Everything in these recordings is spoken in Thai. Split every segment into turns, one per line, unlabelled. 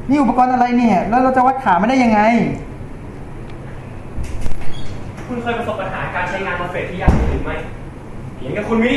นี่อุปกรณ์อะไรเนี่ยแล้วเราจะวัดขาไม่ได้ยังไง
คุณเคยประสบปัญหาการใช้งานมอสเฟตที่ยากหรือไม่เพียงแค่คุณมี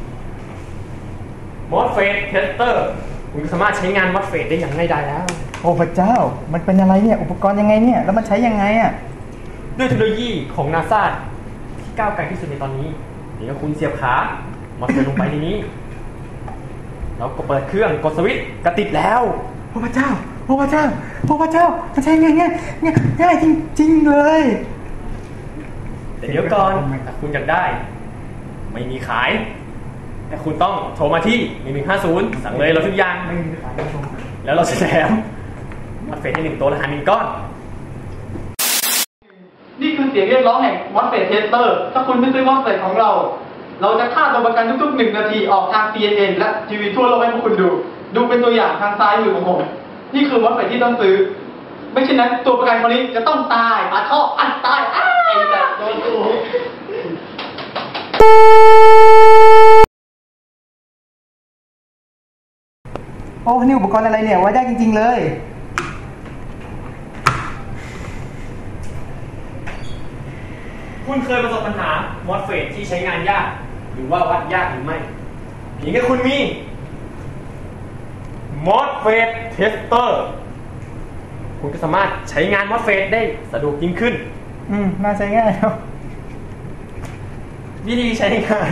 มอสเฟตเทสเตอร์คุณสามารถใช้งานมอสเฟตได้อย่างง่ายดายแล้ว
โอ้พระเจ้ามันเป็นอะไรเนี่ยอุปกรณ์ยังไงเนี่ยแล้วมันใช้ยังไงอ่ะ
ด้วยเทคโนโลยีของนาซาที่ก้าวไกลที่สุดในตอนนี้เพียงแค่คุณเสียบขามอสเฟตลงไปในนี้แล้วก็เปิดเครื่องกดสวิตช์ก็ติดแล้ว
โอ้พระเจ้าโอ้พระเจ้าโอ้พระเจ้ามันใช้ง่ายจริงๆเลย
แต่เดี๋ยวก่อนถ้าคุณอยากได้ไม่มีขายแต่คุณต้องโทรมาที่1150สั่งเลยเราทุกอย่างแล้วเราจะแถมมอสเฟตให้1ตัวละ1ก้อน
นี่คือเสียงเรียกร้องแห่งมอสเฟตเทสเตอร์ถ้าคุณไม่ซื้อมอสเฟตของเราจะค่าตัวประกันทุกๆ1 นาทีออกทาง CNN และทีวีทั่วโลกให้พวกคุณดูเป็นตัวอย่างทางซ้ายมือของผมนี่คือมอสเฟตที่ต้องซื้อไม่เช่นนั้นตัวประกันคนนี้จะต้องตายปาท่ออันตายไอ้แต่โดนกู
โอ้นี่อุปกรณ์อะไรเนี่ยไว้ได้จริงๆเลย
คุณเคยประสบปัญหามอสเฟตที่ใช้งานยากหรือว่าวัดยากหรือไม่เพียงแค่คุณมีมอสเฟตเทสเตอร์คุณก็สามารถใช้งานมอสเฟตได้สะดวกยิ่งขึ้น
น่าใช้ง่ายครับ
วิธีใช้งาน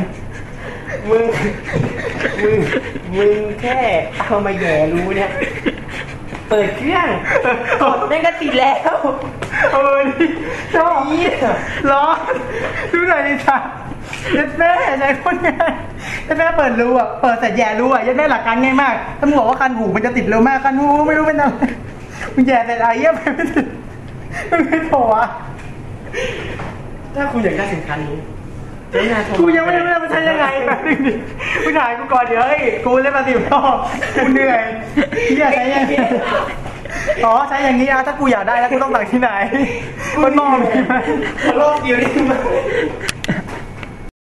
มึงแค่เอามาแย่รู้เนี่ยเปิดเครื่องกดแม่งก็ติดแล้ว
นี่ชอบร้อนดูหน่อยดิจ้ะยัดแม่ใช้คนง่ายยัดแม่เปิดรูอ่ะเปิดแต่แย่รูอ่ะยัดแม่หลักการง่ายมากถ้ามึงบอกว่าคันหูมันจะติดเร็วมากคันหูไม่รู้เป็นอะไรมึงแย่แต่ไรเยี่ยมไปไม่ติดไม่โถอ่ะ
ถ้าคุณอยากได้สินค้านี้
กูยังไม่รู้ว่ามันใช้ยังไงแบบนึงดิกูถ่ายกูก่อนเดี๋ยวกูเล่นมา10 รอบกูเหนื่อยที่จะใช้ยังไงอ๋อใช้อย่างนี้นะถ้ากูอยากได้แล้วกูต้องสั่งที่ไหนมันมองไหม
โลกเดียวนี่